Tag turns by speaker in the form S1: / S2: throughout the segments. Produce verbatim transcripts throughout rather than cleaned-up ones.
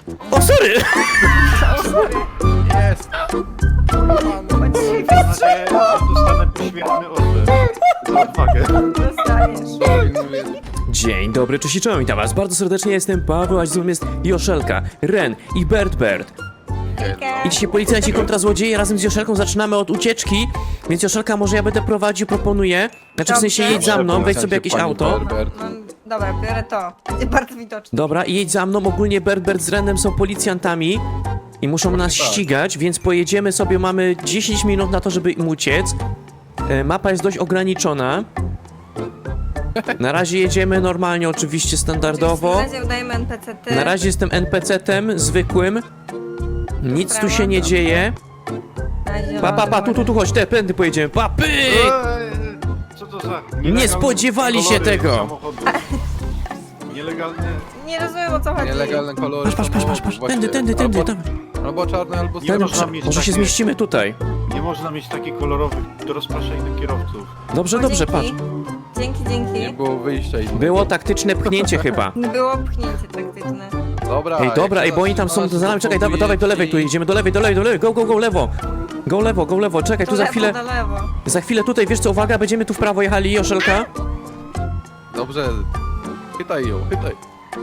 S1: O, sorry!
S2: O, sorry.
S3: Jest!
S2: Bo dzisiaj
S4: Mam nadzieję, że dostanę poświętny order za odwagę.
S2: dostaniesz.
S1: Dzień dobry, cześć i czołem, witam was bardzo serdecznie, jestem Paweł, a z nami jest Joszelka, Ren i Bert Bert. I dzisiaj policjanci kontra złodzieje, razem z Joszelką zaczynamy od ucieczki, więc Joszelka, może ja będę prowadził, proponuję. Znaczy w sensie
S2: Dobrze.
S1: jedź za mną, weź sobie jakieś
S3: Pani
S1: auto.
S3: Berbert.
S2: Mam, dobra, biorę to. Będzie bardzo widoczne.
S1: Dobra, i jedź za mną, ogólnie Bert Bert z Renem są policjantami i muszą nas
S3: tak.
S1: ścigać, więc pojedziemy sobie, mamy dziesięć minut na to, żeby im uciec. E, Mapa jest dość ograniczona. Na razie jedziemy normalnie, oczywiście standardowo.
S2: Na razie udajemy N P C ty.
S1: Na razie jestem en pe ce tem zwykłym. Nic tu się nie dzieje. Pa, pa, pa, tu, tu, tu, chodź, te pędy pojedziemy. Pa, pyk!
S4: Eee, co to za...
S1: Nie spodziewali się
S4: kolory
S1: tego.
S4: samochodu? Nielegalne...
S2: Nie rozumiem, o co chodzi.
S3: Nielegalne kolory.
S1: Patrz, patrz, patrz, patrz, patrz. Tędy, tędy, tędy,
S3: albo,
S1: tam.
S3: albo czarne, albo
S4: Nie
S3: czarne.
S4: można mieć
S1: Może się
S4: takie-
S1: zmieścimy tutaj.
S4: Nie można mieć takich kolorowych do rozpraszania kierowców.
S1: Dobrze,
S2: O,
S1: dobrze, patrz.
S2: dzięki. Dzięki,
S3: Nie
S2: dzięki.
S3: było wyjścia innego.
S1: Było taktyczne pchnięcie chyba.
S2: Było pchnięcie taktyczne.
S3: Dobra.
S1: Ej, dobra, ej, bo oni tam są za nami, czekaj, dawaj, dawaj do lewej, tu idziemy, do lewej, do lewej, do lewej, go, go, go, lewo. Go lewo, go lewo, czekaj, tu
S2: Do
S1: za
S2: lewo,
S1: chwilę,
S2: do lewo.
S1: za chwilę tutaj, wiesz co, uwaga, będziemy tu w prawo jechali, Joszelka.
S3: Dobrze. Chytaj ją, chytaj.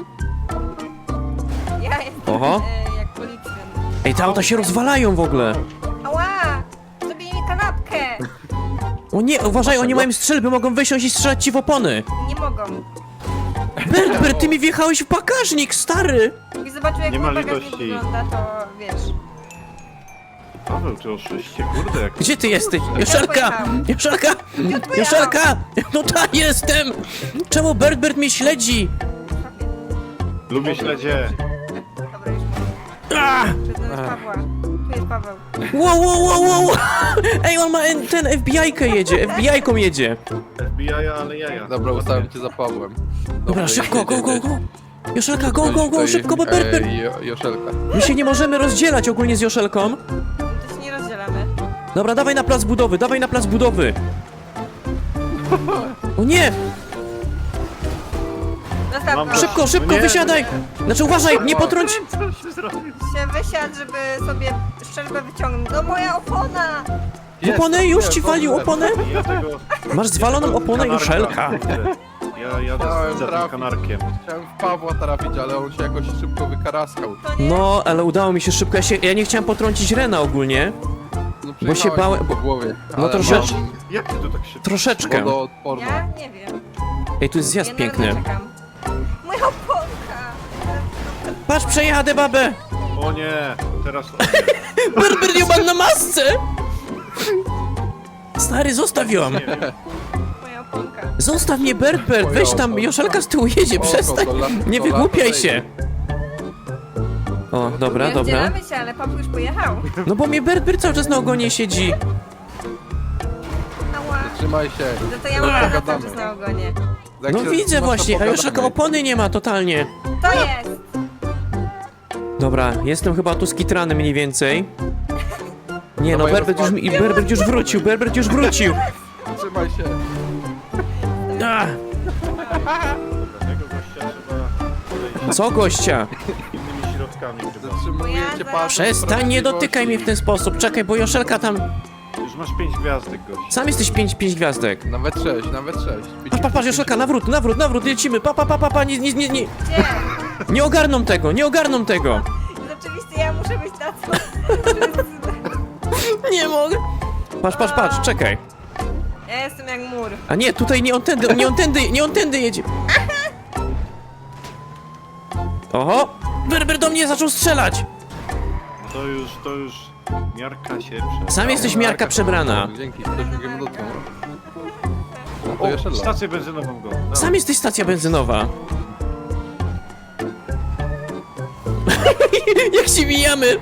S2: Ja jestem
S1: Oho.
S2: e, jak policjant.
S1: Ej, te auta się rozwalają w ogóle.
S2: Ała! Zrobili mi kanapkę!
S1: O nie, uważaj, oni mają strzelby, mogą wysiąść i strzelać ci w opony.
S2: Nie mogą.
S1: Bert, Bert, ty mi wjechałeś w bagażnik, stary.
S2: Jakbyś zobaczył, jak
S4: Nie
S2: mój
S4: ma
S2: bagażnik
S4: litości.
S2: wygląda, to wiesz.
S4: Paweł, ty oszyście, kurde, jak...
S1: Gdzie ty jesteś? Joszelka! Joszelka! Joszelka! No tak, jestem! Czemu Bert, Bert mnie śledzi?
S4: Lubię śledzie.
S2: Dobra, już mam.
S1: Ah!
S2: Przyznam jest Pawła. Tu jest Paweł.
S1: Wow, wow, wow, wow! Ej, on ma en- ten F B I-kę jedzie, F B I-ką jedzie.
S4: F B I, ale jaja.
S3: Dobra, ustawiam cię za Pawłem.
S1: Dobra, szybko, go, go, go! Joszelka, go, go, go, szybko, bo Bert, Bert!
S3: Ej, Jo- Joszelka.
S1: My się nie możemy rozdzielać ogólnie z Joszelką.
S2: No to się nie rozdzielamy.
S1: Dobra, dawaj na plac budowy, dawaj na plac budowy! O nie!
S2: Zostaw
S4: Mam
S2: go.
S4: go.
S1: Szybko, szybko,
S4: Nie.
S1: wysiadaj! Znaczy uważaj, nie potrąć!
S4: Co się zrobił?
S2: Się wysiadł, żeby sobie szczelbę wyciągnąć. No moja opona!
S3: Jest,
S1: Oponę, już
S3: dobrze,
S1: ci walił
S3: dobrze.
S1: oponę?
S4: Ja tego...
S1: Masz zwaloną oponę,
S4: kanarka,
S1: Joszelka.
S4: kurde. Ja jadę
S3: Chciałem
S4: za tym
S3: trafić.
S4: kanarkiem.
S3: Chciałem w Pawła trafić, ale on się jakoś szybko wykaraskał.
S2: To nie.
S1: No, ale udało mi się szybko, ja, się, ja nie chciałem potrącić Rena ogólnie.
S3: No,
S1: Bo się
S3: przejechałeś
S1: bałem-
S3: po głowie.
S1: No
S3: ale
S1: troszecz-
S3: mam
S4: Jak ty to tak szybko?
S1: Troszeczkę.
S3: wodoodporną.
S2: Ja nie wiem.
S1: Ej, tu jest zjazd
S2: Ja na
S1: piękny.
S2: Rena czekam. Moja oponka!
S1: Patrz, przejadę babę!
S4: O nie, teraz...
S1: Berber nie ma na masce! Stary, zostaw ją!
S4: Nie wiem.
S2: Moja oponka.
S1: Zostaw mnie, Berbert, weź tam, Joszelka z tyłu jedzie,
S3: Oko,
S1: przestań!
S3: to la-
S1: Nie
S3: to
S1: wygłupiaj
S3: lato
S1: się! O, dobra,
S2: Nie
S1: dobra.
S2: rozdzielamy się, ale Paweł już pojechał.
S1: No bo mnie Berbert cały czas na ogonie siedzi.
S2: Ała.
S3: Trzymaj się.
S2: No to ja mam Rena cały
S3: Pogadamy.
S2: czas na ogonie.
S3: Jak
S1: No
S3: się
S1: widzę
S3: trzymasz, to
S1: właśnie, a
S3: pogadamy.
S1: Joszelka opony nie ma totalnie.
S2: To jest!
S1: Dobra, jestem chyba tu skitrany mniej więcej. Nie no,
S3: Dawaj,
S1: Berbert już,
S3: rozwal-
S1: i Berbert już wrócił, Berbert już wrócił!
S3: Trzymaj się.
S1: Ach,
S4: Tego gościa trzeba podejść
S1: co gościa?
S4: innymi środkami chyba.
S3: Zatrzymuję cię,
S2: Bo ja
S3: patrz.
S1: Przestań, nie dotykaj mnie w ten sposób, czekaj, bo Joszelka tam...
S4: Już masz pięć gwiazdek, gość.
S1: Sam jesteś pięć, pięć gwiazdek.
S3: Nawet sześć, nawet sześć.
S1: Patrz, patrz, patrz, Joszelka, nawrót, nawrót, nawrót, lecimy, pa, pa, pa, pa, pa, nie, nie, nie, nie,
S2: Gdzie?
S1: nie ogarną tego, nie ogarną tego.
S2: Rzeczywiście ja muszę być na co?
S1: Nie mogę. Patrz, patrz, patrz, czekaj.
S2: Ja jestem jak mur.
S1: A nie, tutaj nie on tędy, nie on tędy, nie on tędy jedzie. Oho, Berber do mnie zaczął strzelać.
S4: To już, to już... Miarka się prze...
S1: Sam jesteś miarka przebrana.
S3: Dzięki, ktoś mi go dotknął. No to
S4: O,
S3: jeszcze lat.
S4: stację benzynową go. Dawaj.
S1: Sam jesteś stacja benzynowa. Jak się mijamy.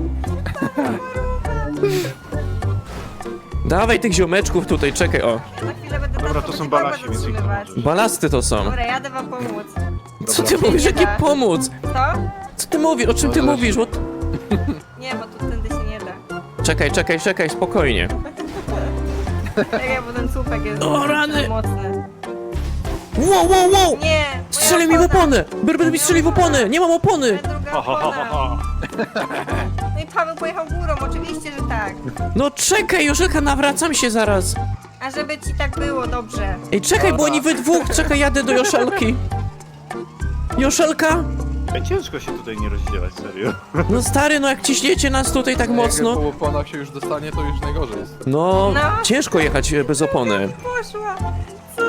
S1: Dawaj tych ziomeczków tutaj, czekaj, o.
S2: Ja za chwilę będę
S4: Dobra,
S2: tam
S4: to są
S2: sobie
S4: balasi,
S2: Pawła
S4: więc ich to
S2: zatrzymywać.
S4: możesz.
S1: Balasty to są.
S2: Dobra, jadę wam pomóc.
S1: Co ty
S4: Dobra.
S1: mówisz,
S2: Nie
S1: jakie
S2: da.
S1: pomóc?
S2: Co?
S1: Co ty mówisz, o czym ty
S3: Możesz.
S1: mówisz? What?
S2: Nie, bo tu tędy się nie da.
S1: Czekaj, czekaj, czekaj, spokojnie.
S2: Czekaj, bo ten słupek jest
S1: O, rany.
S2: mocny.
S1: Wow, wow, wow!
S2: Nie! moja
S1: Strzeli mi w
S2: opona.
S1: oponę! Berber mi strzeli w oponę! Nie mam opony!
S2: Moja druga Druga
S4: Ho, ho, ho, ho,
S2: opona.
S4: ho.
S2: No i Paweł pojechał górą, oczywiście, że tak.
S1: No czekaj, Joszelka, nawracam się zaraz.
S2: A żeby ci tak było dobrze.
S1: Ej, czekaj, bo oni we dwóch, czekaj, jadę do Joszelki. Joszelka?
S4: Ej, ciężko się tutaj nie rozdzielać, serio.
S1: No stary, no jak ciśniecie nas tutaj tak
S3: Jak
S1: mocno.
S3: po oponach się już dostanie, to już najgorzej jest.
S1: No,
S2: No.
S1: ciężko jechać e, bez opony.
S2: Poszła. Co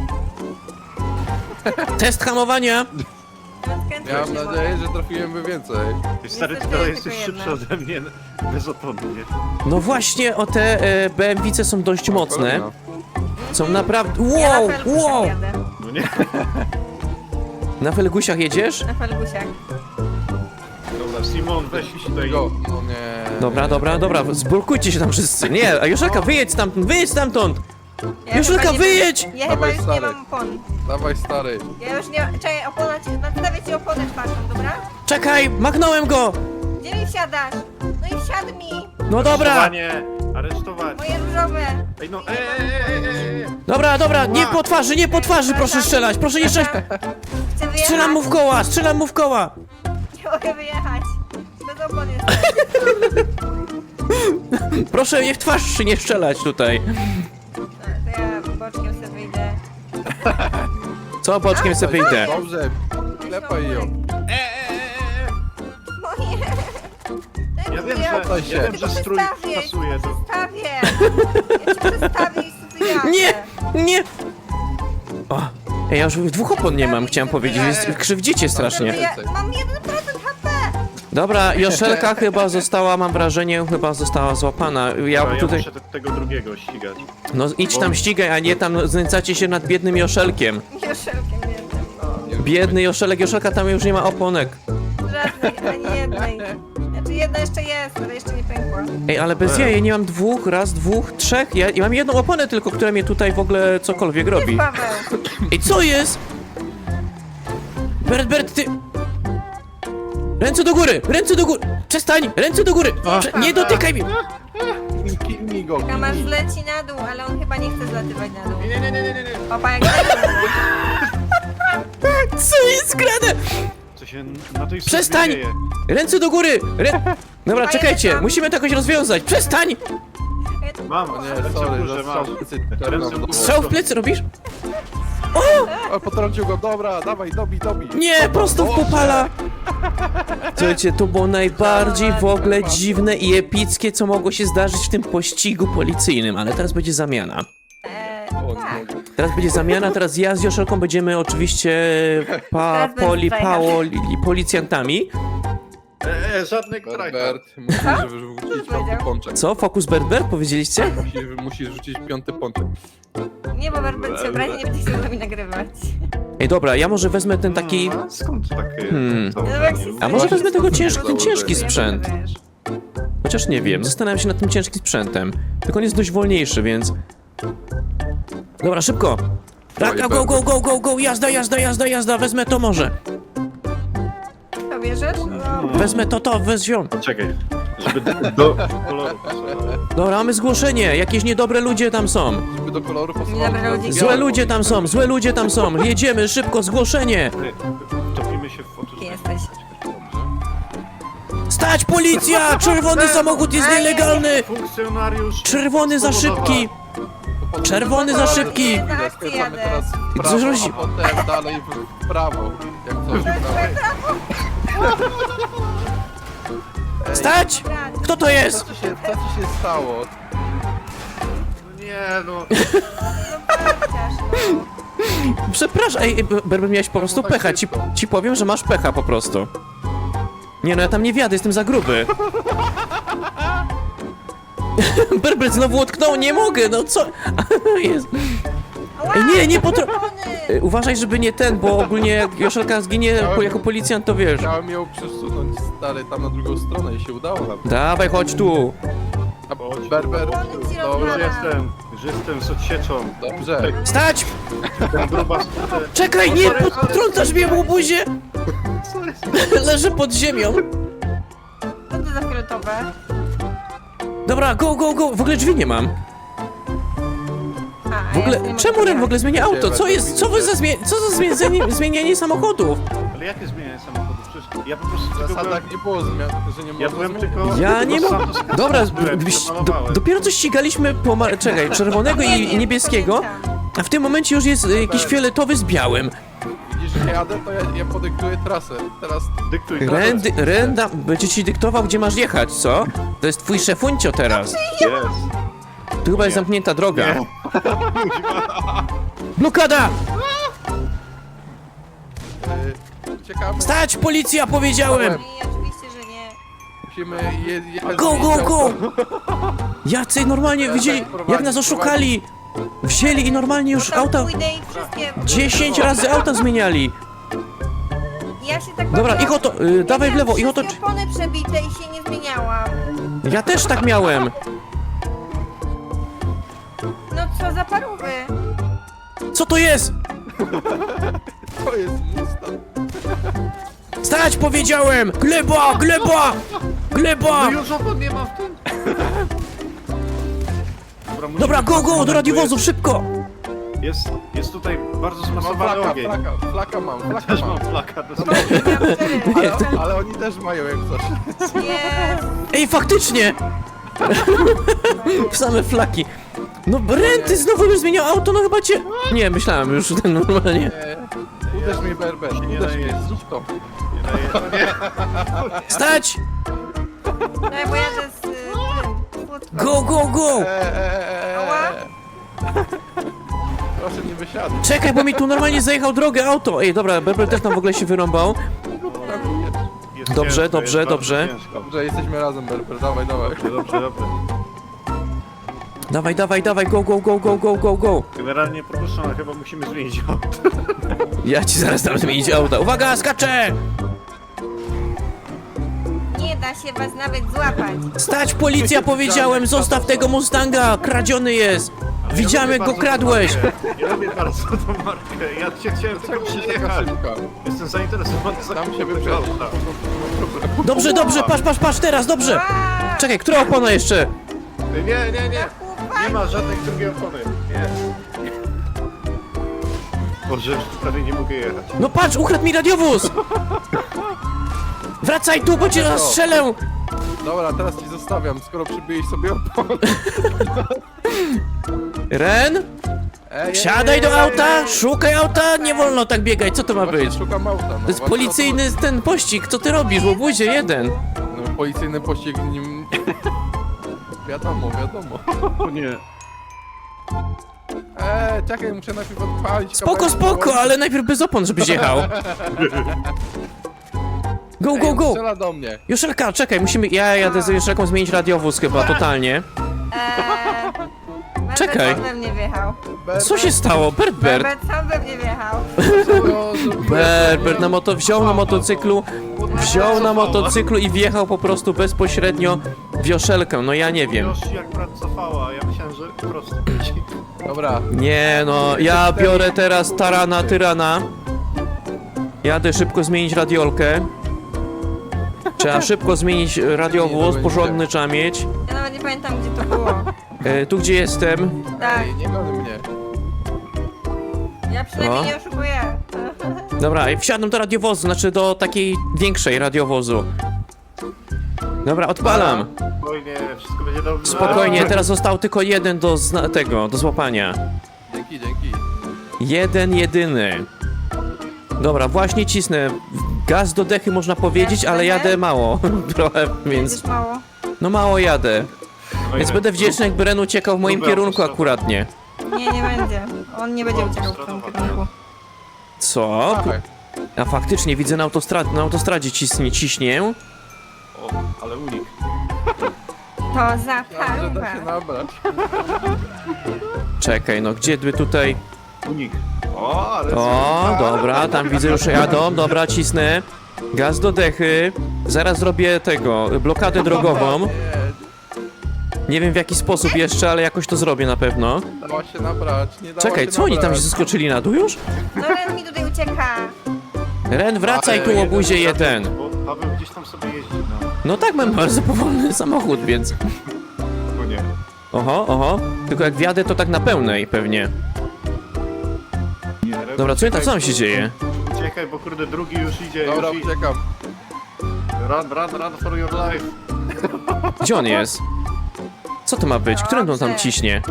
S2: za...
S1: Test hamowania.
S2: Odkręciła
S3: Miałem
S2: się
S3: nadzieję,
S2: woda.
S3: że trafiłem więcej.
S4: Ej, stary, ty
S2: Niestety
S4: dalej
S2: tylko
S4: jesteś
S2: jedna.
S4: szybszy ode mnie bez opony, nie?
S1: No właśnie, o te e, B M W-ce są dość mocne.
S3: Kolejna.
S1: Są naprawdę...
S2: Ja
S1: Wow,
S2: na felgusiach
S1: wow!
S2: jadę.
S4: No nie?
S1: Na felgusiach jedziesz?
S2: Na felgusiach.
S4: Dobra, Simon, weź tutaj...
S3: Go, no nie.
S1: Dobra, dobra, dobra, zblokujcie się tam wszyscy. Nie, a Joszelka, wyjedź stamtąd, wyjedź stamtąd!
S2: Ja
S1: Joszelka,
S2: chyba nie-
S1: wyjedź!
S2: Ja chyba
S3: Dawaj,
S2: już nie
S3: stary.
S2: mam opon.
S3: Dawaj stary.
S2: Ja już nie... Czekaj, opona ci... Nadstawię ci oponę czwartą, dobra?
S1: Czekaj, machnąłem go!
S2: Gdzie mi wsiadasz? No i wsiadł mi!
S1: No dobra!
S4: Aresztowanie! Aresztować!
S2: Moje różowe!
S4: Ej, no, ej, ej, ej, ej, ej!
S1: Dobra, dobra, nie po twarzy, nie po twarzy, proszę strzelać, proszę nie strzelać!
S2: Chcę wyjechać!
S1: Strzelam mu w koła, strzelam mu w koła!
S2: Nie mogę wyjechać! Bez opon jest.
S1: Proszę nie w twarz nie strzelać tutaj.
S2: No, to ja boczkiem sobie wyjdę.
S1: Co, boczkiem sobie wyjdę?
S3: Dobrze, klepaj ją.
S4: E, e, e, e, e.
S2: Moje!
S4: Ja wiem,
S3: Poddaj
S4: że,
S3: się.
S4: ja wiem, że
S2: Tylko
S4: strój
S2: przestawię,
S4: pasuje do...
S2: Przestawię! Ja ci przestawię i sobie jadę.
S1: Nie, nie! O, ej, ja już dwóch opon nie mam, chciałem powiedzieć, jest, krzywdzicie strasznie.
S2: Ja mam jeden procent H P!
S1: Dobra, Joszelka chyba została, mam wrażenie, chyba została złapana. Ja
S4: Dobra, ja
S1: tutaj...
S4: muszę te, tego drugiego ścigać.
S1: No idź tam ścigaj, a nie tam znęcacie się nad biednym Joszelkiem.
S2: Joszelkiem jednym, no.
S1: Biedny Joszelek, Joszelka tam już nie ma oponek.
S2: Żadnej, ani jednej. Znaczy jedna jeszcze jest, ale jeszcze nie pękła.
S1: Ej, ale bez
S4: Ej.
S1: jaj, nie mam dwóch, raz, dwóch, trzech, ja, ja mam jedną oponę tylko, która mnie tutaj w ogóle cokolwiek robi.
S2: Paweł!
S1: Ej, co jest? Bert, Bert, ty... Ręce do góry, ręce do góry! Przestań, ręce do góry! Prze nie dotykaj mnie!
S3: Kijnij go.
S2: Kamarz zleci na dół, ale on chyba nie chce zlatywać na dół.
S4: Nie, nie, nie, nie, nie, nie.
S2: Papa jak zleci.
S1: Co jest grane?
S4: Co się na tej
S1: Przestań!
S4: służbie dzieje?
S1: Ręce do góry! Rę... Dobra, czekajcie, musimy to jakoś rozwiązać. Przestań!
S4: Mam,
S3: O nie,
S4: ręce w
S3: sorry,
S4: górze,
S3: zastrzał
S4: masz.
S3: plecy.
S4: Ręce w górze.
S1: Strzał w plecy robisz?
S3: O, potrącił go, dobra, dawaj, dobij, dobij.
S1: Nie,
S3: Dobra,
S1: prosto w
S3: dobrze.
S1: popala! Słuchajcie, to było najbardziej w ogóle dziwne i epickie, co mogło się zdarzyć w tym pościgu policyjnym, ale teraz będzie zamiana.
S2: Eee,
S3: O,
S2: tak.
S3: nie.
S1: Teraz będzie zamiana, teraz ja z Joszelką będziemy oczywiście pa,
S2: Teraz bez
S1: poli,
S2: zajazdu.
S1: pało, policjantami.
S4: E, e, żadnych trajkach.
S3: Bert, musisz wrzucić piąty pączek.
S1: Co? Fokus Bert Bert powiedzieliście?
S3: Musisz, musisz rzucić piąty pączek.
S2: Nie, bo Berbert się obrazi, nie będzie chciał z nami nagrywać.
S1: Ej, dobra, ja może wezmę ten taki...
S4: No, a skąd takie
S1: Hmm.
S4: założenie?
S1: A może wezmę tego
S3: Właśnie
S1: ciężki, ten ciężki
S3: założenie.
S1: sprzęt?
S2: Wiesz.
S1: Chociaż nie wiem, zastanawiam się nad tym ciężkim sprzętem. Tylko on jest dość wolniejszy, więc... Dobra, szybko! Tak, go, go, go, go, go, jazda, jazda, jazda, jazda, wezmę to może.
S2: To bierzesz? No.
S1: Wezmę to, to, wezmę.
S4: Czekaj, żeby do, do koloru pasowało.
S1: Dobra, mamy zgłoszenie, jakieś niedobre ludzie tam są.
S3: Żeby do koloru
S2: Dobra,
S3: pasowało.
S2: ludzie.
S1: Złe ludzie tam są, złe ludzie tam są. Jedziemy, szybko, zgłoszenie.
S4: Ty, Topimy się w oczy.
S2: Kim jesteś?
S1: Stać, policja! Czerwony samochód jest nielegalny!
S4: Funkcjonariusz.
S1: Czerwony za szybki! Czerwony za szybki!
S2: Na akcję
S3: Skręcamy
S2: jadę.
S3: teraz w
S1: Co
S3: prawo,
S1: zrobić?
S3: a potem dalej w prawo. Jak coś prawo.
S1: Stać! Kto to
S3: Co
S1: jest?
S3: ci się, co ci się stało?
S4: Nie no.
S2: Chociaż, no.
S1: Przepraszam, ej, Berber, miałeś po prostu pecha. Ci, ci powiem, że masz pecha po prostu. Nie no, ja tam nie wjadę, jestem za gruby. Berber znowu utknął, nie mogę, no co? Jest. Ej, nie, nie potro... Ej, Uważaj, żeby nie ten, bo ogólnie jak Joszelka zginie po- jako policjant, to wiesz.
S3: Chciałem ją przesunąć, stary, tam na drugą stronę i się udało nam.
S1: Dawaj, chodź tu.
S3: A
S4: Chodź.
S3: Berber,
S2: Wolny ci
S3: dobra,
S4: Już
S2: rozwala.
S4: jestem, już jestem z odsieczą.
S3: dobrze.
S1: Stać!
S4: Ten gruba skutę.
S1: Czekaj, nie, potrącasz mnie w łobuzie! Leży pod ziemią.
S2: Co to za fioletowe?
S1: Dobra, go, go, go. W ogóle drzwi nie mam.
S2: A,
S1: W
S2: ja nie
S1: ogóle,
S2: mogę
S1: czemu Ren w
S2: jechać.
S1: ogóle zmienia auto? Co jest, co wy za zmie... co za zmienianie, zmienianie samochodów?
S4: Ale jakie zmienianie samochodu? Przecież Ja po prostu
S3: W
S4: tylko byłem,
S3: zasadach nie było zmian, że nie
S4: ja
S3: można
S4: byłem
S3: zmienić.
S4: tylko...
S1: Ja nie
S4: Los
S1: mam...
S4: Santos
S1: Dobra,
S4: byłem,
S1: gdybyś- do,
S4: przemalowałem.
S1: dopiero co ścigaliśmy pomar... Czekaj, czerwonego
S2: Nie
S1: i
S2: wiem,
S1: niebieskiego,
S2: pamiętam.
S1: a w tym momencie już jest y, jakiś fioletowy z białym.
S3: Widzisz, że jadę, to ja, ja podyktuję trasę. Teraz
S4: Dyktuj.
S1: Ren, dy, Ren da, będzie ci dyktował, gdzie masz jechać, co? To jest twój szefuncio teraz.
S4: Jest.
S1: Tu chyba jest zamknięta droga.
S4: Nie.
S1: Blokada!
S3: yy, uciekamy.
S1: Stać, policja, powiedziałem!
S2: Nie, oczywiście, że nie.
S3: Musimy je, jechać.
S1: Go, go, go! Jacy normalnie
S3: Ja
S1: widzieli,
S3: tak
S1: jak
S3: prowadzi,
S1: nas oszukali! Wzięli i normalnie już
S2: Tam
S1: auta...
S2: pójdę i wszystkie...
S1: dziesięć razy auta zmieniali!
S2: Ja się tak
S1: Dobra,
S2: bawiłam-
S1: ich oto, y,
S2: Ja
S1: dawaj w
S2: miałam
S1: lewo, ich oto...
S2: wszystkie opony przebite i się nie zmieniałam.
S1: Ja też tak miałem!
S2: No co za parówy.
S1: Co to jest?
S3: To jest Mustang.
S1: Stać, powiedziałem! Gleba, gleba! Gleba!
S4: No już opon nie ma w tym. Dobra, musimy-
S1: Dobra, go, go, do radiowozów, szybko!
S4: Jest, jest tutaj bardzo
S3: Mam
S4: zmasowany
S3: flaka,
S4: ogień.
S3: flaka, flaka mam, flaka
S4: Też
S3: mam.
S4: mam flaka, to
S2: Miałam cztery.
S3: Ale, ale oni też mają jak coś.
S2: Jest.
S1: Ej, faktycznie! Same flaki. No Renty znowu już zmieniał auto, no chyba cię... Nie, myślałem już ten normalnie.
S3: Nie, uderz mnie berber,
S4: Nie
S3: uderz
S4: daje.
S3: mnie, zrób to.
S4: nie daje. Nie.
S1: Stać!
S2: No bo jadę z... y, tym, kłódką.
S1: Go, go, go!
S3: Eee,
S2: Ała.
S3: Proszę nie wysiadać.
S1: Czekaj, bo mi tu normalnie zajechał drogę auto. Ej, dobra, Berber też tam w ogóle się wyrąbał.
S4: Jest
S1: Dobrze,
S4: ciężko,
S1: dobrze,
S4: jest
S1: dobrze.
S4: bardzo ciężko.
S3: Dobrze, jesteśmy razem berber, dawaj, dawaj.
S4: Dobrze, dobrze, dobrze.
S1: Dawaj, dawaj, dawaj, go, go, go, go, go, go, go.
S4: Generalnie proszę, ale chyba musimy zmienić auto.
S1: Ja ci zaraz dam zmienić auto. Uwaga, skaczę!
S2: Nie da się was nawet złapać.
S1: Stać, policja, powiedziałem, zostaw tego Mustanga, kradziony jest. Widziałem, jak go kradłeś.
S4: Ja lubię bardzo tą markę. Ja cię chciałem tylko
S3: Czemu się taka
S4: przyjechać.
S3: szybka?
S4: Jestem zainteresowany
S3: Tam
S4: zakupem
S3: się
S4: tego
S3: wyprzedzi.
S4: auta.
S1: Dobrze, dobrze, patrz, patrz, patrz, teraz, dobrze.
S2: Ła!
S1: Czekaj, która opona jeszcze?
S4: Nie, nie, nie.
S2: Chłopaki.
S4: Nie ma żadnej drugiej opony. Nie. Boże, już prawie nie mogę jechać.
S1: No patrz, ukradł mi radiowóz. Wracaj tu, bo cię zastrzelę.
S3: Dobra, teraz ci zostawiam, skoro przybyłeś sobie opon.
S1: Ren,
S3: Ej,
S1: wsiadaj do auta, szukaj auta, nie wolno tak biegać, co to ma
S3: Właśnie
S1: być?
S3: szukam auta, no.
S1: To jest
S3: właśnie
S1: policyjny ten pościg, co ty robisz, łobuzie jeden.
S3: o to- No, policyjny pościg nim... Wiadomo, wiadomo.
S4: O nie.
S3: Eee, czekaj, muszę najpierw odpalić
S1: Spoko,
S3: kawałek,
S1: spoko,
S3: kawałek.
S1: ale najpierw bez opon, żebyś jechał. Go,
S3: Ej,
S1: go, go!
S3: strzela do mnie.
S1: Joszelka, czekaj, musimy... Ja jadę z Joszelką zmienić radiowóz chyba, totalnie.
S2: Eee, Berbet
S1: Czekaj.
S2: sam we mnie wjechał.
S1: Co się stało? Bert, Bert.
S2: Berbet sam we mnie wjechał.
S1: Bert na moto... wziął na motocyklu, wziął na motocyklu i wjechał po prostu bezpośrednio w Joszelkę, no ja nie wiem.
S4: Już jak brat cofała, ja myślałem, że prosto będzie.
S3: Dobra,
S1: Nie no, ja biorę teraz tarana, tyrana. Jadę szybko zmienić radiolkę. Trzeba szybko zmienić radiowóz, porządny trzeba mieć.
S2: Ja nawet nie pamiętam, gdzie to było.
S1: E, tu gdzie jestem?
S2: Tak,
S3: ej, nie gony mnie.
S2: ja przynajmniej
S1: O.
S2: nie oszukuję.
S1: Dobra, i wsiadam do radiowozu, znaczy do takiej większej radiowozu. Dobra, odpalam.
S4: Spokojnie, wszystko będzie dobrze.
S1: Spokojnie, teraz został tylko jeden do zna- tego, do złapania.
S3: Dzięki, dzięki.
S1: Jeden, jedyny. Dobra, właśnie cisnę. Gaz do dechy można powiedzieć, ale jadę mało. Trochę, więc...
S2: Będziesz mało.
S1: No mało jadę.
S4: Spokojnie.
S1: Więc będę wdzięczny, jak Bren uciekał w moim
S4: Dobra,
S1: kierunku
S4: prosto.
S1: akuratnie.
S2: Nie, nie będzie. On nie będzie uciekał w tym kierunku.
S1: Co?
S3: Dawaj.
S1: A faktycznie widzę na, autostrad na autostradzie ciśnie, ciśnie.
S4: O, ale unik.
S2: To za
S3: Ja, że da się
S2: parówę.
S3: nabrać.
S1: Czekaj, no gdzie by tutaj...
S4: Unik. O, ale...
S1: O, dobra, tam widzę już jadą, dobra, cisnę. Gaz do dechy. Zaraz zrobię tego, blokadę drogową.
S3: Nie,
S1: Nie wiem w jaki sposób jeszcze, ale jakoś to zrobię na pewno.
S3: dała się nabrać, nie dała
S1: Czekaj,
S3: się
S1: co oni tam się
S3: nabrać.
S1: zeskoczyli na dół już?
S2: No Ren mi tutaj ucieka.
S1: Ren, wracaj tu,
S3: Ale
S1: łobuzie jeden.
S4: Bo Paweł gdzieś tam sobie jeździ, no.
S1: No tak, mam bardzo powolny samochód, więc...
S4: Bo nie.
S1: Oho, oho. Tylko jak wjadę, to tak na pełnej pewnie.
S4: nie
S1: Dobra, co tam, co tam się dzieje?
S4: Uciekaj, bo kurde drugi już idzie,
S3: Dobra,
S4: już idzie.
S3: uciekam.
S4: Run, run, run for your life.
S1: Gdzie on jest? Co to ma być? Którym on tam
S2: Dobrze.
S1: ciśnie?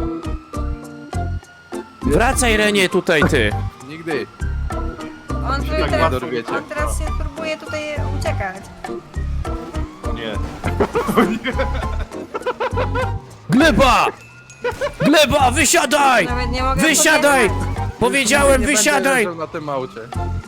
S1: Wracaj, Renie, tutaj ty!
S3: Nigdy.
S2: On, tu
S4: tak
S2: teraz,
S3: dorwiecie.
S2: on teraz się próbuje tutaj uciekać.
S4: O nie.
S1: Gleba! Gleba, wysiadaj!
S2: Nawet nie mogę
S1: Wysiadaj!
S2: podjechać.
S1: Powiedziałem,
S3: Nie będę
S1: wysiadaj!
S3: leżał na tym aucie.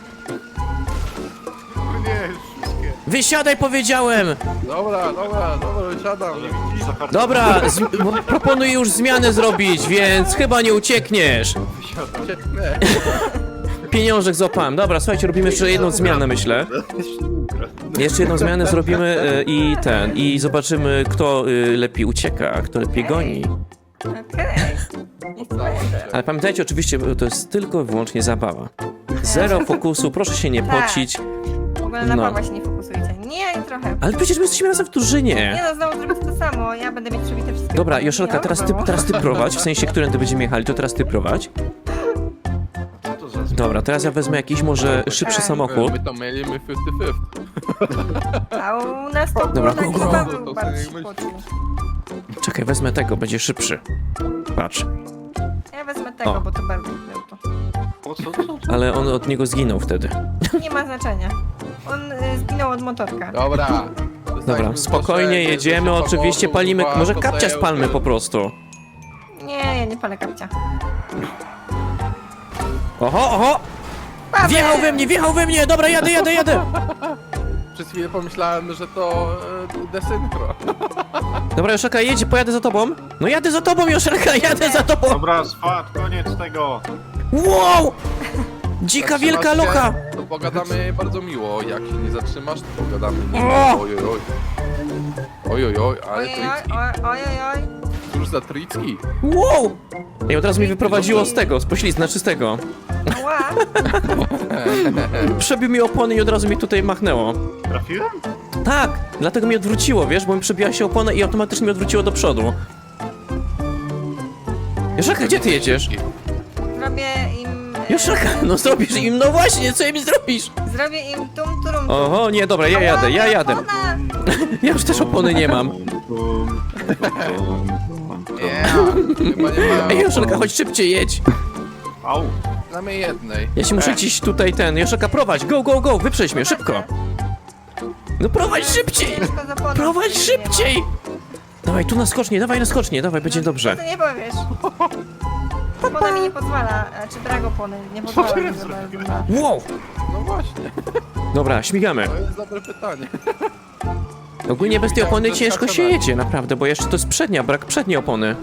S4: O nie, wszystkie.
S1: Wysiadaj, powiedziałem!
S3: Dobra, dobra, dobra, siadam.
S4: Zahartowałem.
S1: Dobra, z, bo proponuję już zmianę zrobić, więc chyba nie uciekniesz.
S3: Ucieknę.
S1: Pieniążek złapałem. Dobra, słuchajcie, robimy jeszcze jedną zmianę, myślę. Jeszcze jedną zmianę zrobimy e, i ten, i zobaczymy, kto e, lepiej ucieka, a kto lepiej goni.
S2: Okej. Niech to będzie.
S1: Ale pamiętajcie oczywiście, bo to jest tylko i wyłącznie zabawa. Zero fokusu, proszę się nie
S2: Tak.
S1: pocić.
S2: W ogóle na
S1: No.
S2: Pawła się nie fokusujcie. Nie, nie trochę.
S1: Ale przecież my jesteśmy razem w drużynie.
S2: Nie no, znowu zrobić to samo. Ja będę mieć przebite wszystkie.
S1: Dobra,
S2: punkty.
S1: Joszelka,
S2: Nie,
S1: teraz ty,
S2: znowu.
S1: teraz ty prowadź, w sensie, którędy będziemy jechali, to teraz ty prowadź.
S4: Co to za
S1: Dobra, teraz ja wezmę jakiś może szybszy
S2: Tak.
S1: samochód.
S3: My to mielimy fifty fifty.
S2: A u nas to
S1: Dobra,
S2: było
S1: go,
S2: taki
S1: go.
S2: Paweł
S3: To
S2: bardziej
S3: sobie myśl.
S2: poczuł.
S1: Czekaj, wezmę tego, będzie szybszy. Patrz.
S2: Ja wezmę tego,
S1: O.
S2: bo to Bartek był to.
S4: Po co, co, co?
S1: Ale on od niego zginął wtedy.
S2: Nie ma znaczenia. On y, zginął od motorka.
S3: Dobra.
S1: Dobra, spokojnie jedziemy, oczywiście palimy. Może kapcia spalmy po prostu.
S2: Nie, ja nie palę kapcia.
S1: Oho, oho!
S2: Paweł!
S1: Wjechał we mnie, wjechał we mnie! Dobra, jadę, jadę, jadę!
S3: Przez chwilę pomyślałem, że to e, desynchro.
S1: Dobra, Joszelka, jedź, pojadę za tobą. No jadę za tobą, Joszelka, jadę za tobą!
S4: Dobra, swat, koniec tego.
S1: Wow! Dzika wielka
S3: Zatrzymasz się,
S1: locha!
S3: To pogadamy bardzo miło. Jak się nie zatrzymasz, to pogadamy
S1: O!
S3: miło. Oj, oj, oj. Oj, oj, oj, ale
S2: Ojej,
S3: tricki.
S2: oj, oj, oj, oj.
S3: Cóż za tricki.
S1: Wow! I od razu mi wyprowadziło z tego, z poślizna czystego.
S2: Ła.
S1: Przebił mi opony i od razu mi tutaj machnęło.
S4: Trafiłem?
S1: Tak, dlatego mi odwróciło, wiesz, bo mi przebiła się opona i automatycznie mi odwróciło do przodu. Joszelka, gdzie ty jedziesz?
S2: Zrobię im... e,
S1: Joszelka, no zrobisz im, no właśnie, co im zrobisz?
S2: Zrobię im tum turum.
S1: Oho, nie, dobra, ja jadę, ja jadę.
S2: Ona!
S1: Ja już też opony nie mam.
S3: Nie, chyba nie ma.
S1: Ej, Joszelka, chodź szybciej, jedź.
S4: Au.
S3: Na mnie jednej.
S1: Ja się muszę gdzieś tutaj ten, Joszelka, prowadź, go, go, go, wyprzedź mnie, szybko. No prowadź szybciej,
S2: Ciężko z oponą,
S1: prowadź
S2: nie
S1: szybciej. Dawaj, tu na skocznie, dawaj na skocznie, dawaj,
S2: ma.
S1: będzie
S2: No,
S1: dobrze.
S2: Co ty nie powiesz? Opona mi nie pozwala, e, czy drag opony nie pozwala mi, żeby na...
S1: Wow,
S3: No właśnie,
S1: dobra, śmigamy.
S3: to jest dobre pytanie.
S1: Ogólnie bez tej opony
S3: Widziałem, że
S1: ciężko się
S3: skacze na-
S1: jedzie, naprawdę, bo jeszcze to jest przednia, brak przedniej opony.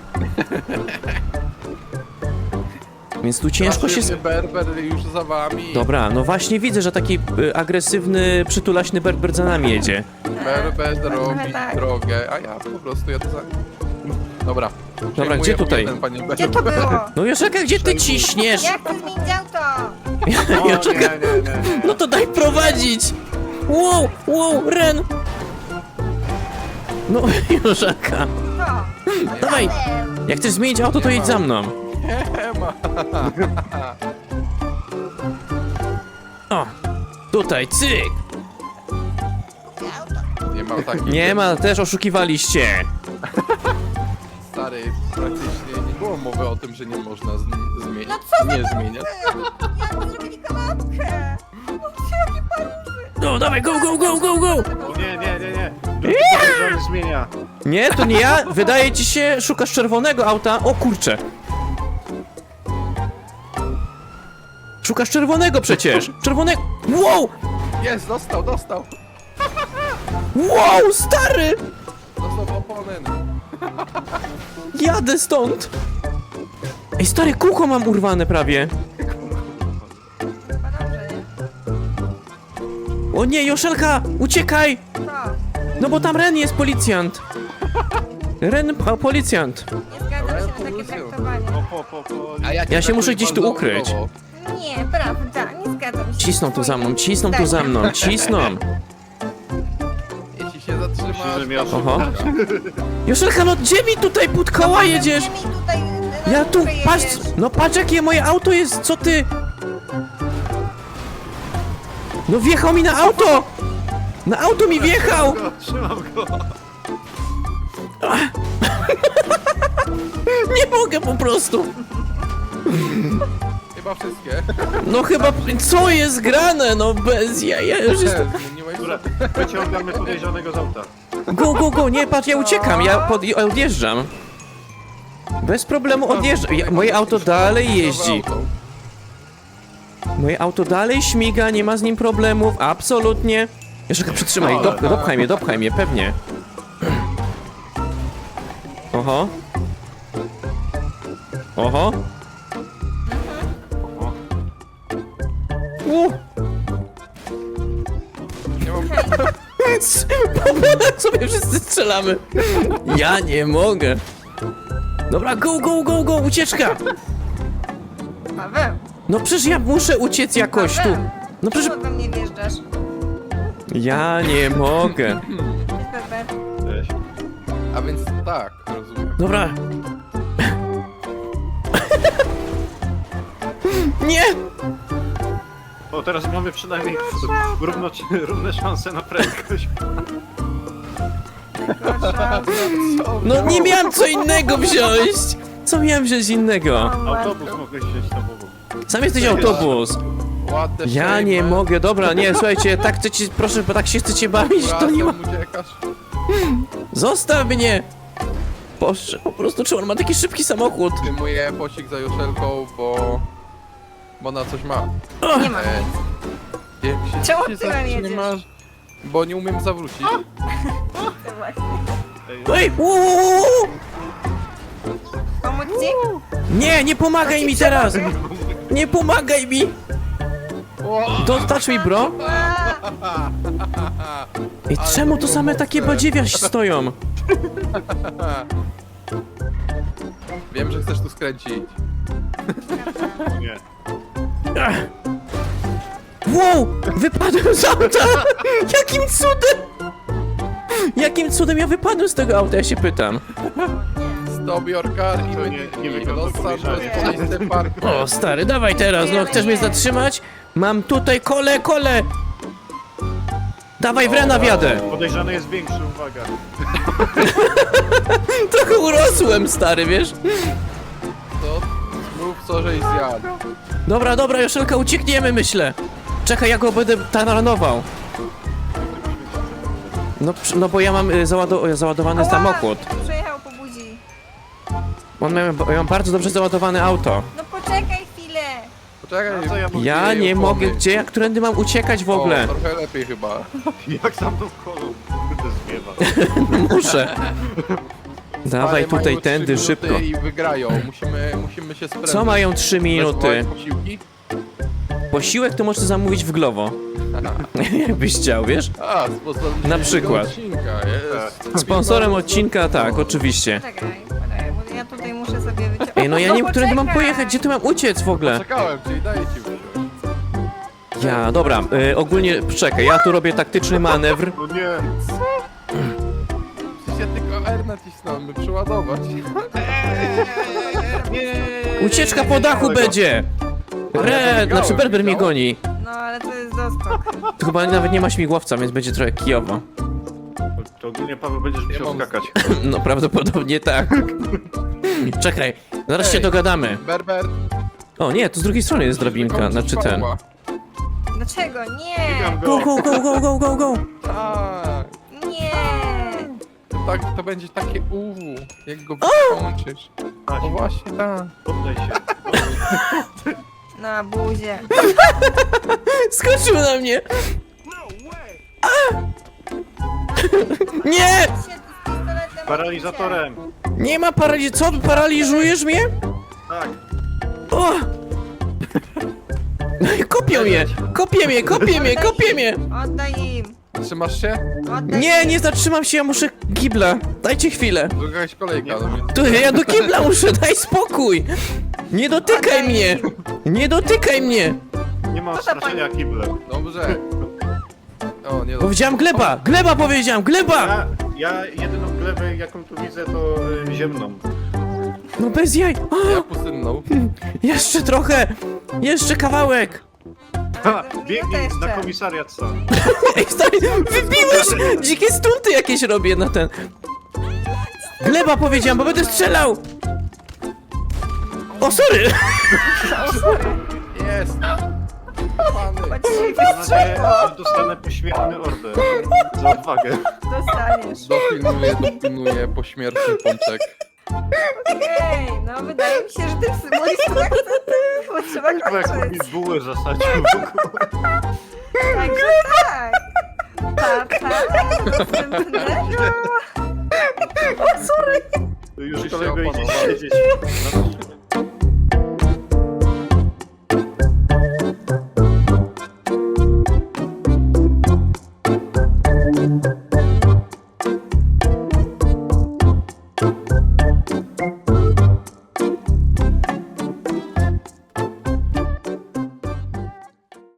S1: Więc tu ciężko się...
S3: Strasznie Berber już za wami.
S1: Dobra, no właśnie widzę, że taki y, agresywny, przytulaśny berber za nami jedzie.
S3: Berber robi
S2: tak.
S3: drogę, a ja po prostu jadę za nim. Dobra.
S1: Dobra,
S3: Przejmuję
S1: gdzie tutaj?
S3: Ten, panie
S2: Gdzie to
S3: Berber.
S2: było?
S1: No Joszelka, gdzie ty ciśniesz?
S2: Jak ty zmienić auto?
S4: O, nie,
S1: Joszelka,
S4: nie, nie, nie.
S1: no to daj prowadzić! Wow, wow, Ren! No, Joszelka,
S2: To.
S1: dawaj! Jak chcesz zmienić auto, to jedź za mną.
S3: Nie ma.
S1: O, tutaj, cyk!
S3: Nie ma takich.
S1: Nie ma, też oszukiwaliście.
S3: Stary, praktycznie nie było mowy o tym, że nie można z- zmienić.
S2: No co za
S3: nie zmieniać.
S2: Jak zrobili kanapkę? No jakie paluchy.
S1: No, dawaj, go, go, go, go, go!
S4: O, nie, nie, nie, nie. Drugi zmienia.
S1: Nie, to nie ja. Wydaje ci się, szukasz czerwonego auta. O kurcze. Szukasz czerwonego przecież. Czerwonego. Wow!
S3: Jest, dostał, dostał.
S1: Wow, stary!
S3: Dostał oponent.
S1: Jadę stąd. Ej, stary, kółko mam urwane prawie.
S2: Chyba dobrze, nie?
S1: O nie, Joszelka, uciekaj!
S2: To.
S1: No bo tam Ren jest policjant. Ren, pa, policjant.
S2: Nie zgadzam się na takie traktowanie.
S4: Po, po, po, po.
S3: A ja,
S1: Ja się muszę gdzieś tu ukryć.
S2: Nie, prawda, nie zgadzam się.
S1: Cisną tu za mną, cisną tu
S2: Tak.
S1: za mną, cisną.
S3: Jeśli się zatrzymasz...
S4: Myślę, że miał-
S3: to-
S1: Oho. Joszelka, no gdzie mi tutaj pod koła jedziesz?
S2: Gdzie mi tutaj na
S1: Ja tu,
S2: górę
S1: patrz,
S2: jedziesz?
S1: no patrz jakie moje auto jest, co ty? No wjechał mi na auto! Na auto mi wjechał!
S4: Go, trzymam go.
S1: Nie mogę po prostu!
S3: Chyba wszystkie.
S1: No chyba, co jest grane? No bez ja, ja już jestem...
S3: Zmieniłeś
S4: Dobra, wyciągamy podejrzanego z auta.
S1: Go, go, go, nie, patrz, ja uciekam, ja pod, ja odjeżdżam. Bez problemu odjeżdżam. Ja, moje auto dalej jeździ. Moje auto dalej śmiga, nie ma z nim problemów, absolutnie. Jeszcze przytrzymaj, dop, dopchaj mnie, dopchaj mnie, pewnie. Oho. Oho.
S4: O,
S1: U.
S3: Nie mam...
S1: Po sobie wszyscy strzelamy. Ja nie mogę. Dobra, go, go, go, go, ucieczka.
S2: Paweł,
S1: No przecież ja muszę uciec jakoś tu. No przecież...
S2: czemu do mnie wjeżdżasz?
S1: Ja nie mogę.
S2: Cześć, Berber.
S4: cześć.
S3: A więc tak, rozumiem.
S1: Dobra. Nie!
S4: O, teraz mamy przynajmniej równo, równe szanse na prędkość.
S2: Gorsza.
S1: No nie miałem co innego wziąć! Co miałem wziąć innego?
S4: Autobus mogłeś wziąć na boku.
S1: Sam jesteś autobus.
S3: Ładne
S1: Ja nie mogę, dobra, nie, słuchajcie, tak chcecie, proszę, bo tak się chcecie bawić, to nie ma...
S3: uciekasz.
S1: Zostaw mnie! Boże, po prostu czy on ma taki szybki samochód?
S3: Zdejmuję pościg za Joszelką, bo... Bo na coś ma.
S2: Nie ma
S3: E,
S2: nic.
S3: Jak się,
S2: Czemu
S3: się
S2: tyłem jedziesz?
S3: zatrzymasz? Bo nie umiem zawrócić.
S2: To właśnie.
S1: Ej, uu, uu, uu.
S2: Pomóc ci?
S1: Nie, nie pomagaj mi teraz! Nie pomagaj mi! Don't touch me, bro! I czemu to same takie badziewia stoją?
S3: Wiem, że chcesz tu skręcić.
S4: Nie.
S1: Ach. Wow! Wypadłem z auta! Jakim cudem? Jakim cudem ja wypadłem z tego auta, ja się pytam.
S3: Stop your car i
S4: To
S3: my
S4: nie- nie wygląda
S3: Los Santos
S4: podejrzanie.
S3: Police Department.
S1: O, stary, dawaj teraz, no chcesz mnie zatrzymać? Mam tutaj kole, kole! Dawaj, w Rena wjadę!
S4: Podejrzany jest większy, uwaga.
S1: Trochę urosłem, stary, wiesz?
S3: To mów co, żeś zjadł.
S1: Dobra, dobra, Joszelka, uciekniemy, myślę. Czekaj, ja go będę taranował. No, przy- no bo ja mam y, załado załadowany
S2: Ała,
S1: samochód.
S2: Przejechał po buzi.
S1: On ma, ja mam bardzo dobrze załadowane auto.
S2: No poczekaj chwilę.
S3: Poczekaj,
S4: A co ja mogę-
S1: Ja nie mogę, gdzie, jak którędy mam uciekać w ogóle?
S3: O, trochę lepiej chyba.
S4: Jak tam tą kolą? Kurde, zwiewa.
S1: Muszę. Dawaj
S3: Ale mają
S1: tutaj,
S3: trzy
S1: tędy,
S3: minuty
S1: szybko.
S3: I wygrają. Musimy, musimy się sprężyć.
S1: Co mają trzy minuty?
S3: Bez posiłki?
S1: Posiłek to możesz zamówić w Glovo. Jakbyś chciał, wiesz?
S3: A, sponsorem
S1: Na
S3: dzisiejszego
S1: przykład.
S3: Odcinka, jest.
S1: Sponsorem odcinka, tak, oczywiście.
S2: Czekaj, poczekaj, bo ja tutaj muszę sobie wyciągnąć.
S1: Ej, no ja nie wiem, którędy mam
S2: poczekaj.
S1: pojechać, gdzie tu mam uciec w ogóle?
S3: Czekałem, czyli daję ci wysiąść.
S1: Ja, dobra, y, ogólnie, czekaj, ja tu robię taktyczny manewr.
S4: No nie.
S3: Przecież ja tylko R nacisnąłem, by przeładować.
S1: Ucieczka po dachu będzie! Red, znaczy Berber mnie goni.
S2: No ale to jest doskok.
S1: Tu chyba nawet nie ma śmigłowca, więc będzie trochę kijowo.
S4: To ogólnie, Paweł, będziesz musiał
S3: mam-
S4: skakać.
S1: No prawdopodobnie tak. Czekaj, zaraz się
S3: Ej.
S1: dogadamy.
S3: Berber.
S1: O nie, tu z drugiej strony jest drabinka,
S3: wykończysz
S1: znaczy ten.
S3: Pawła.
S2: Dlaczego? Nie!
S4: Biegam
S1: Go,
S4: go.
S1: go, go, go, go, go, go!
S3: Tak.
S2: Nie!
S3: To, tak, to będzie takie uwu, jak go wykończysz.
S4: Aś,
S3: O właśnie, tak.
S4: poddaj się.
S2: Na buzie.
S1: Skoczył na mnie! A! Nie!
S2: Się tu z pistoletem
S4: Paralizatorem.
S1: Nie ma paraliż... Co? Paraliżujesz mnie?
S4: Tak.
S1: O! No i kopią mnie! Kopię mnie, kopię mnie, kopię mnie!
S2: Oddaj im!
S3: Trzymasz się?
S2: Oddaj
S1: Nie,
S2: im.
S1: nie zatrzymam się, ja muszę kibla. Dajcie chwilę.
S3: To jakaś kolejka. No, więc...
S1: Tu, ja do kibla muszę, daj spokój! Nie dotykaj mnie! Nie dotykaj mnie!
S4: Nie ma
S2: Co za
S4: odstraszenia kiblem.
S3: Dobrze. O, nie
S1: Powiedziałem gleba! Gleba powiedziałem! Gleba!
S4: Ja, ja jedyną glebę, jaką tu widzę, to y, ziemną.
S1: No bez jaj!
S3: Ja
S1: O,
S3: pustynną.
S1: jeszcze trochę! Jeszcze kawałek!
S4: Ha,
S2: Minutę
S4: biegnij
S2: jeszcze.
S4: na komisariat sam.
S1: Ej, stary, wybiłeś! Dzikie stunty jakieś robię na ten... Gleba powiedziałem, bo będę strzelał! O, sorry!
S2: O, sorry.
S3: Jest! Pany!
S2: Chodź się
S4: Mam nadzieję, że dostanę pośmiertny order za odwagę.
S2: dostaniesz.
S3: Dopilnuję, dopilnuję pośmiertny pączek.
S2: Okej, no wydaje mi się, że ten symbolistą akcenty, bo trzeba
S4: Chyba jak mi
S2: kończyć.
S4: bułę zasadził w ogóle.
S2: Także tak. Pa, pa, następnego. O, sorry.
S4: To już
S3: Już się
S4: kolego idzie
S3: opanowałem.
S4: siedzieć. No,